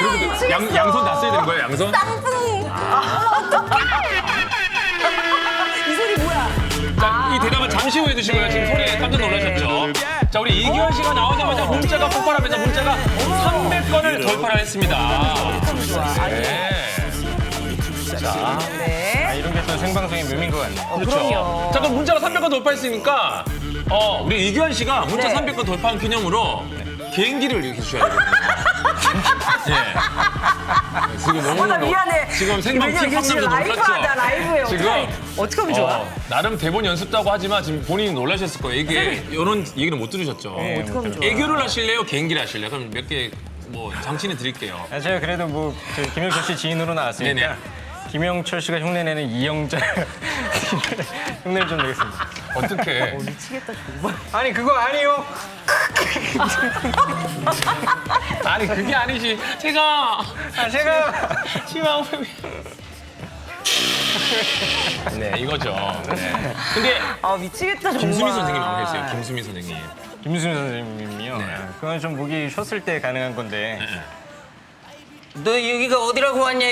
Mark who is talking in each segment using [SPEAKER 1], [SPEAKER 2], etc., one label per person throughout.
[SPEAKER 1] 그리고 양손 다 써야 되는 거예요, 양손?
[SPEAKER 2] 쌍둥이. 이 소리 뭐야?
[SPEAKER 1] 자, 이 대답은 잠시 후에 해주시고요. 지금 소리에 깜짝 놀라셨죠? 자, 우리 이규현 씨가 나오자마자 문자가 폭발하면서 문자가 300건을 돌파를 했습니다. 네. 자,
[SPEAKER 2] 네.
[SPEAKER 3] 이런 게 또 생방송의 묘미인 것 같네요.
[SPEAKER 1] 그렇죠.
[SPEAKER 2] 그럼요.
[SPEAKER 1] 자, 그럼 문자가 300건 돌파했으니까 우리 이규현 씨가 문자
[SPEAKER 2] 네.
[SPEAKER 1] 300건 돌파한 기념으로 개인기를 이렇게 주셔야 되거든요. 예. 지금 너무
[SPEAKER 2] 나 미안해.
[SPEAKER 1] 지금 생방
[SPEAKER 2] 왜냐면
[SPEAKER 1] 팀
[SPEAKER 2] 이게 지금
[SPEAKER 1] 깜짝
[SPEAKER 2] 라이브하다,
[SPEAKER 1] 놀랐죠?
[SPEAKER 2] 라이브예요.
[SPEAKER 1] 지금
[SPEAKER 2] 어떻게 하면 좋아?
[SPEAKER 1] 나름 대본 연습다고 하지만 지금 본인이 놀라셨을 거예요. 이게 이런 얘기는 못 들으셨죠?
[SPEAKER 2] 어떻게 하면 좋아?
[SPEAKER 1] 애교를 하실래요? 개인기를 하실래요? 그럼 몇 개 뭐 장치는 드릴게요.
[SPEAKER 3] 제가 그래도 뭐 저희 김영철 씨 지인으로 나왔으니까
[SPEAKER 1] 네네.
[SPEAKER 3] 김영철 씨가 흉내내는 이영자 흉내를 좀 내겠습니다.
[SPEAKER 1] 어떻게?
[SPEAKER 2] 미치겠다, 정말.
[SPEAKER 3] 아니 그거 아니요.
[SPEAKER 1] 아니 그게 아니지. 제가 치마 네 이거죠. 네. 근데
[SPEAKER 2] 아, 미치겠다, 정말.
[SPEAKER 1] 김수미 선생님 한번 계세요. 김수미 선생님.
[SPEAKER 3] 김수민 선생님이요.
[SPEAKER 1] 네.
[SPEAKER 3] 그건 좀 목이 쉬었을 때 가능한 건데.
[SPEAKER 4] 너 여기가 어디라고 왔냐?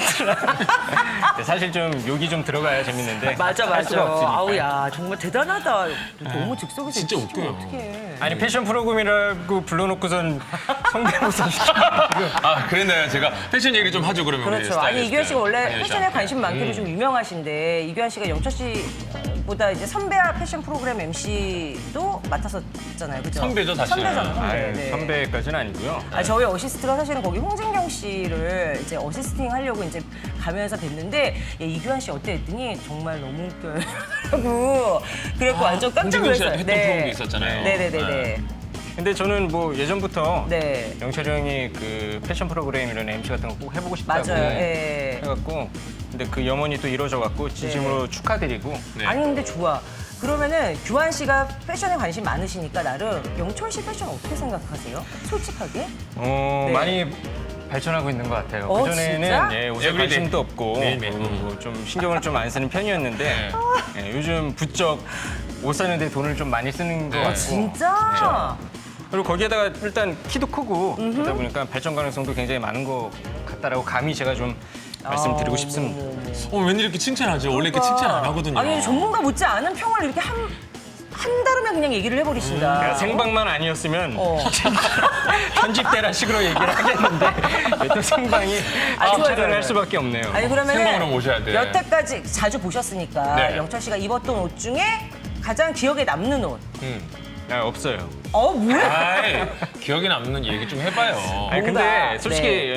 [SPEAKER 3] 사실 좀 욕이 좀 들어가야 재밌는데.
[SPEAKER 2] 맞아,
[SPEAKER 3] 할 수가
[SPEAKER 2] 맞아.
[SPEAKER 3] 없으니까.
[SPEAKER 2] 아우, 야, 정말 대단하다. 너무 즉석에서
[SPEAKER 1] 진짜
[SPEAKER 2] 이렇게
[SPEAKER 1] 웃겨요.
[SPEAKER 2] 어떡해.
[SPEAKER 3] 아니 패션 프로그램이라고 불러놓고선 성대모사
[SPEAKER 1] 아 그랬나요? 제가 패션 얘기를 좀 하죠 그러면. 우리
[SPEAKER 2] 그렇죠. 아니,
[SPEAKER 1] 스타일리스트.
[SPEAKER 2] 이규현 씨가 원래
[SPEAKER 1] 이규현 씨.
[SPEAKER 2] 패션에 관심 많기로 좀 유명하신데, 이규현 씨가 영철 씨보다 이제 선배와 패션 프로그램 MC도 맡았었잖아요. 그죠?
[SPEAKER 1] 선배죠, 사실은.
[SPEAKER 2] 선배잖아요, 선배.
[SPEAKER 3] 아유,
[SPEAKER 2] 네.
[SPEAKER 3] 선배까지는 아니고요.
[SPEAKER 2] 아, 저희 어시스트가 사실은 거기 홍진경 씨를 이제 어시스팅 하려고 이제 가면서 뵀는데, 야, 이규현 씨 어때 했더니 정말 너무 웃겨요. 그래갖고 완전 깜짝
[SPEAKER 1] 홍진경 씨랑
[SPEAKER 2] 놀랐어요.
[SPEAKER 1] 했던 프로그램도 있었잖아요.
[SPEAKER 2] 네네네네.
[SPEAKER 3] 근데 저는 뭐 예전부터
[SPEAKER 2] 네.
[SPEAKER 3] 영철이 형이 그 패션 프로그램 이런 MC 같은 거 꼭 해보고 싶다고
[SPEAKER 2] 맞아요. 예.
[SPEAKER 3] 해갖고 근데 그 염원이 또 이루어져갖고 진심으로 축하드리고
[SPEAKER 1] 네.
[SPEAKER 2] 아니 근데 좋아. 그러면은 규환 씨가 패션에 관심 많으시니까 나름 영철 씨 패션 어떻게 생각하세요? 솔직하게? 네.
[SPEAKER 3] 많이 발전하고 있는 것 같아요.
[SPEAKER 2] 어,
[SPEAKER 3] 그전에는
[SPEAKER 2] 진짜?
[SPEAKER 3] 옷에
[SPEAKER 1] 에브리데이.
[SPEAKER 3] 관심도 없고
[SPEAKER 1] 매일매일.
[SPEAKER 3] 좀 신경을 좀 안 쓰는 편이었는데 요즘 부쩍 옷 사는데 돈을 좀 많이 쓰는 것
[SPEAKER 1] 네.
[SPEAKER 3] 같고
[SPEAKER 2] 진짜?
[SPEAKER 3] 그리고 거기에다가 일단 키도 크고 그러다 보니까 발전 가능성도 굉장히 많은 것 같다라고 감히 제가 좀 말씀드리고 싶습니다.
[SPEAKER 1] 왠지 이렇게 칭찬하죠? 원래 이렇게 칭찬 안 하거든요.
[SPEAKER 2] 아니 전문가 못지 않은 평을 이렇게 한 다름에 그냥 얘기를 해버리신다.
[SPEAKER 3] 그러니까 생방만 아니었으면
[SPEAKER 2] 어.
[SPEAKER 3] 편집대라 식으로 얘기를 하겠는데 왜 또 생방이
[SPEAKER 2] 좋아요,
[SPEAKER 3] 촬영을
[SPEAKER 2] 좋아요.
[SPEAKER 3] 할 수밖에 없네요.
[SPEAKER 2] 아니
[SPEAKER 1] 생방으로
[SPEAKER 2] 그러면
[SPEAKER 1] 모셔야 돼.
[SPEAKER 2] 여태까지 자주 보셨으니까
[SPEAKER 1] 네.
[SPEAKER 2] 영철 씨가 입었던 옷 중에 가장 기억에 남는 옷.
[SPEAKER 3] 없어요.
[SPEAKER 2] 뭐야?
[SPEAKER 1] 아이, 기억에 남는 얘기 좀 해봐요.
[SPEAKER 3] 아니
[SPEAKER 2] 뭔가,
[SPEAKER 3] 근데 솔직히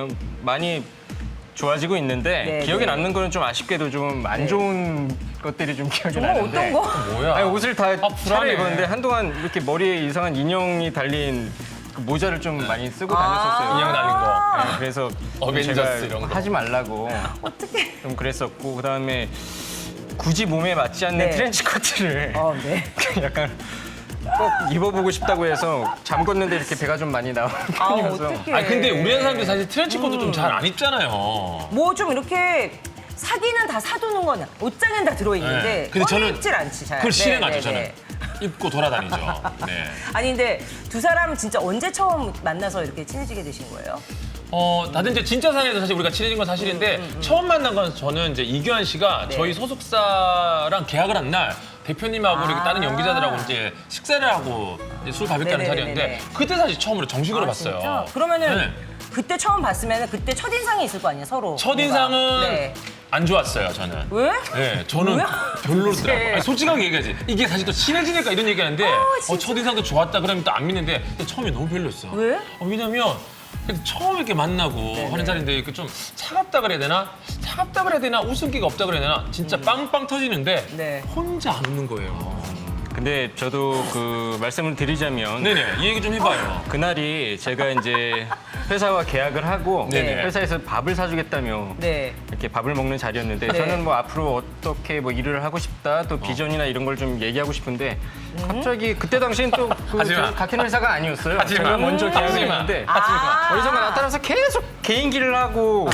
[SPEAKER 3] 많이 좋아지고 있는데
[SPEAKER 2] 네,
[SPEAKER 3] 기억에
[SPEAKER 2] 네.
[SPEAKER 3] 남는 거는 좀 아쉽게도 좀 안 좋은 것들이 좀 기억이
[SPEAKER 2] 정말
[SPEAKER 3] 나는데
[SPEAKER 2] 어떤 거?
[SPEAKER 1] 뭐야?
[SPEAKER 3] 아니, 옷을 다
[SPEAKER 1] 불안해.
[SPEAKER 3] 차려 입었는데 한동안 이렇게 머리에 이상한 인형이 달린 그 모자를 좀 많이 쓰고 다녔었어요.
[SPEAKER 1] 인형 달린 거.
[SPEAKER 3] 네, 그래서
[SPEAKER 1] 어벤져스
[SPEAKER 3] 제가
[SPEAKER 1] 이런 거.
[SPEAKER 3] 하지 말라고
[SPEAKER 2] 어떻게?
[SPEAKER 3] 좀 그랬었고 그다음에 굳이 몸에 맞지 않는
[SPEAKER 2] 네.
[SPEAKER 3] 트렌치 코트를
[SPEAKER 2] 네.
[SPEAKER 3] 약간 꼭 입어보고 싶다고 해서 잠궜는데 이렇게 배가 좀 많이 나오는 편이어서
[SPEAKER 2] 어떡해.
[SPEAKER 1] 아니 근데 우리나라 사람들 사실 트렌치코트 좀 잘 안 입잖아요.
[SPEAKER 2] 뭐 좀 이렇게 사기는 다 사두는 거는 옷장엔 다 들어있는데
[SPEAKER 1] 네. 근데 저는
[SPEAKER 2] 입질 않지 잘.
[SPEAKER 1] 그걸 실행하죠
[SPEAKER 2] 네,
[SPEAKER 1] 저는.
[SPEAKER 2] 네.
[SPEAKER 1] 입고 돌아다니죠. 네.
[SPEAKER 2] 아니 근데 두 사람 진짜 언제 처음 만나서 이렇게 친해지게 되신 거예요?
[SPEAKER 1] 다들 이제 진짜 사내에서 사실 우리가 친해진 건 사실인데 처음 만난 건 저는 이제 이규환 씨가
[SPEAKER 2] 네.
[SPEAKER 1] 저희 소속사랑 계약을 한 날 대표님하고 이렇게 다른 연기자들하고 이제 식사를 하고 이제 술 바베큐 하는
[SPEAKER 2] 네네네네.
[SPEAKER 1] 자리였는데 그때 사실 처음으로 정식으로 봤어요.
[SPEAKER 2] 진짜? 그러면은
[SPEAKER 1] 네.
[SPEAKER 2] 그때 처음 봤으면 그때 첫인상이 있을 거 아니에요 서로.
[SPEAKER 1] 첫인상은
[SPEAKER 2] 뭔가. 네.
[SPEAKER 1] 안 좋았어요 저는.
[SPEAKER 2] 왜?
[SPEAKER 1] 네, 저는
[SPEAKER 2] 뭐야?
[SPEAKER 1] 별로더라고요.
[SPEAKER 2] 네.
[SPEAKER 1] 아니, 솔직하게 얘기하지. 이게 사실 또 친해지니까 이런 얘기하는데
[SPEAKER 2] 진짜?
[SPEAKER 1] 첫인상도 좋았다 그러면 또 안 믿는데 근데 처음에 너무 별로였어.
[SPEAKER 2] 왜?
[SPEAKER 1] 왜냐면 처음 이렇게 만나고 하는 자리인데 이렇게 좀 차갑다 그래야 되나? 차갑다 그래야 되나? 웃음기가 없다 그래야 되나? 진짜 빵빵 터지는데
[SPEAKER 2] 네.
[SPEAKER 1] 혼자 안 웃는 거예요.
[SPEAKER 3] 근데 저도 그 말씀을 드리자면
[SPEAKER 1] 네네, 이 얘기 좀 해봐요.
[SPEAKER 3] 그날이 제가 이제 회사와 계약을 하고
[SPEAKER 1] 네네.
[SPEAKER 3] 회사에서 밥을 사주겠다며
[SPEAKER 2] 네.
[SPEAKER 3] 이렇게 밥을 먹는 자리였는데
[SPEAKER 2] 네.
[SPEAKER 3] 저는 뭐 앞으로 어떻게 뭐 일을 하고 싶다 또 비전이나 이런 걸 좀 얘기하고 싶은데 갑자기 그때 당시엔 또
[SPEAKER 1] 하지 마.
[SPEAKER 3] 같은 회사가 아니었어요.
[SPEAKER 1] 하지 마.
[SPEAKER 3] 제가 먼저 계약을
[SPEAKER 1] 하지 마.
[SPEAKER 3] 했는데
[SPEAKER 2] 아.
[SPEAKER 3] 어디선가 나타나서 계속 개인기를 하고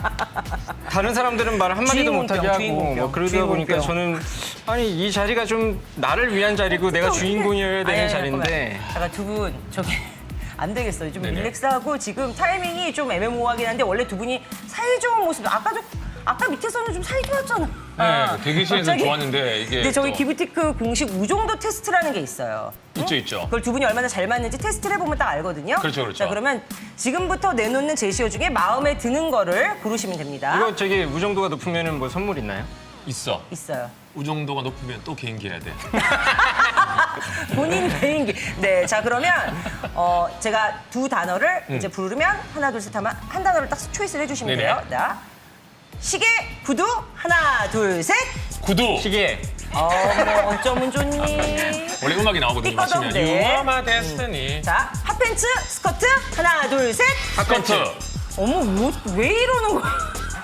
[SPEAKER 3] 다른 사람들은 말 한마디도 못하게 하고
[SPEAKER 2] 주인공병,
[SPEAKER 3] 뭐 그러다
[SPEAKER 2] 주인공병.
[SPEAKER 3] 보니까 저는 아니 이 자리가 좀 나를 위한 자리고 내가 주인공이어야 되는 자리인데
[SPEAKER 2] 잠깐 두 분 저기 안 되겠어요. 좀
[SPEAKER 1] 네네.
[SPEAKER 2] 릴렉스하고 지금 타이밍이 좀 애매모호하긴 한데 원래 두 분이 사이좋은 모습 아까 밑에서는 좀 사이좋았잖아.
[SPEAKER 1] 네, 대기실에서
[SPEAKER 2] 갑자기.
[SPEAKER 1] 좋았는데 이게
[SPEAKER 2] 근데 저기
[SPEAKER 1] 또
[SPEAKER 2] 기브티크 공식 우정도 테스트라는 게 있어요.
[SPEAKER 1] 있죠.
[SPEAKER 2] 그걸 두 분이 얼마나 잘 맞는지 테스트를 해보면 딱 알거든요.
[SPEAKER 1] 그렇죠.
[SPEAKER 2] 자, 그러면 지금부터 내놓는 제시어 중에 마음에 드는 거를 고르시면 됩니다.
[SPEAKER 3] 이거 저기 우정도가 높으면은 뭐 선물 있나요?
[SPEAKER 1] 있어.
[SPEAKER 2] 있어요.
[SPEAKER 1] 우정도가 높으면 또 개인기 해야 돼.
[SPEAKER 2] 본인 개인기. 네, 자 그러면 제가 두 단어를 이제 부르면 하나 둘 셋 하면 한 단어를 딱 초이스를 해주시면
[SPEAKER 1] 네네.
[SPEAKER 2] 돼요. 자, 시계, 구두, 하나 둘 셋.
[SPEAKER 1] 구두.
[SPEAKER 3] 시계.
[SPEAKER 2] 뭐 어쩌면 좋니?
[SPEAKER 1] 원래 음악이 나오거든요.
[SPEAKER 2] 삐거덕,
[SPEAKER 1] 마시면.
[SPEAKER 2] 네.
[SPEAKER 1] You are my destiny.
[SPEAKER 2] 자, 핫팬츠, 스커트, 하나 둘 셋.
[SPEAKER 1] 스커트.
[SPEAKER 2] 어머, 왜 이러는 거야?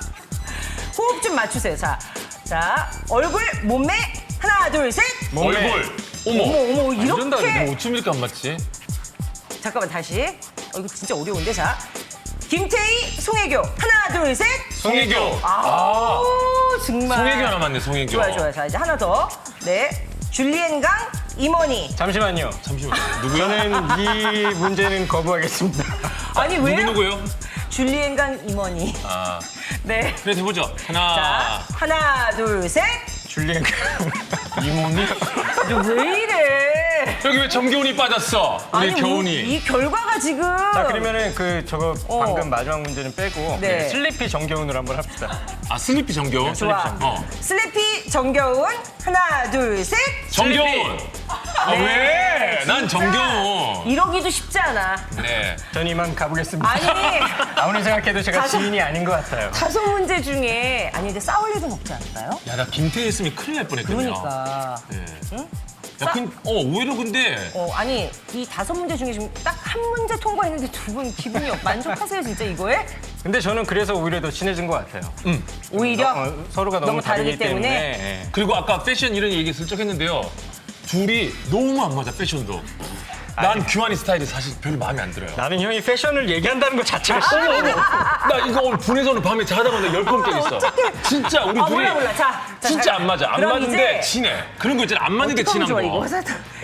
[SPEAKER 2] 호흡 좀 맞추세요. 자, 얼굴, 몸매, 하나 둘 셋.
[SPEAKER 3] 몸매.
[SPEAKER 1] 얼굴. 어머.
[SPEAKER 2] 어머,
[SPEAKER 1] 완전 다르네.
[SPEAKER 2] 이렇게.
[SPEAKER 1] 뭐 어쩜 이렇게 안 맞지?
[SPEAKER 2] 잠깐만 다시. 이거 진짜 어려운데 자. 김태희, 송혜교, 하나 둘 셋.
[SPEAKER 1] 송혜교.
[SPEAKER 2] 아우 정말.
[SPEAKER 1] 송혜교 하나 맞네, 송혜교.
[SPEAKER 2] 좋아요. 자 이제 하나 더. 네. 줄리엔강, 임원희.
[SPEAKER 3] 잠시만요.
[SPEAKER 1] 잠시만요. 누구야?
[SPEAKER 3] 저는 이 문제는 거부하겠습니다.
[SPEAKER 2] 아니 왜요?
[SPEAKER 1] 누구요?
[SPEAKER 2] 줄리엔강, 임원희.
[SPEAKER 1] 아,
[SPEAKER 2] 네.
[SPEAKER 1] 그래 해보죠.
[SPEAKER 2] 자
[SPEAKER 1] 하나.
[SPEAKER 2] 하나 둘 셋.
[SPEAKER 3] 줄리엔
[SPEAKER 1] 이모니?
[SPEAKER 2] 왜 이래?
[SPEAKER 1] 여기 왜 정겨운이 빠졌어? 우리
[SPEAKER 2] 아니,
[SPEAKER 1] 겨운이.
[SPEAKER 2] 이 결과가 지금.
[SPEAKER 3] 자 그러면은 저거
[SPEAKER 2] 어.
[SPEAKER 3] 방금 마지막 문제는 빼고
[SPEAKER 2] 네.
[SPEAKER 3] 슬리피 정겨운으로 한번 합시다.
[SPEAKER 1] 아, 슬리피 정겨운?
[SPEAKER 2] 좋아.
[SPEAKER 1] 슬리피
[SPEAKER 2] 슬래피
[SPEAKER 1] 정겨운.
[SPEAKER 2] 정겨운 하나 둘 셋.
[SPEAKER 1] 정겨운. 아, 왜? 난 정겨운.
[SPEAKER 2] 이러기도 쉽지 않아.
[SPEAKER 1] 네.
[SPEAKER 3] 전 이만 가보겠습니다.
[SPEAKER 2] 아니.
[SPEAKER 3] 아무리 생각해도 제가
[SPEAKER 2] 가서-
[SPEAKER 3] 지인이 아닌 것 같아요.
[SPEAKER 2] 다섯 문제 중에 아니 근데 싸울 일은 없지 않을까요?
[SPEAKER 1] 야, 나 김태희 했으면 큰일 날 뻔했거든요.
[SPEAKER 2] 그러니까.
[SPEAKER 1] 네. 야, 오히려 근데
[SPEAKER 2] 아니 이 다섯 문제 중에 지금 딱 한 문제 통과했는데 두 분 기분이 만족하세요 진짜 이거에?
[SPEAKER 3] 근데 저는 그래서 오히려 더 친해진 것 같아요.
[SPEAKER 2] 오히려
[SPEAKER 3] 서로가 너무 다르기 때문에. 예.
[SPEAKER 1] 그리고 아까 패션 이런 얘기 슬쩍 했는데요. 둘이 너무 안 맞아, 패션도. 난 규환이 스타일이 사실 별로 마음에 안 들어요.
[SPEAKER 3] 나는 형이 패션을 얘기한다는 것 자체가
[SPEAKER 1] 어머. 나 이거 오늘 분해서 오늘 밤에 자다가 나 10번 깨겠어. 진짜 우리 둘이
[SPEAKER 2] 몰라 자
[SPEAKER 1] 진짜 안 맞아. 안
[SPEAKER 2] 그럼
[SPEAKER 1] 맞는데
[SPEAKER 2] 이제
[SPEAKER 1] 친해. 그런 거 있잖아. 안 맞는 게
[SPEAKER 2] 어떡하면
[SPEAKER 1] 친한
[SPEAKER 2] 좋아,
[SPEAKER 1] 거.
[SPEAKER 2] 이거.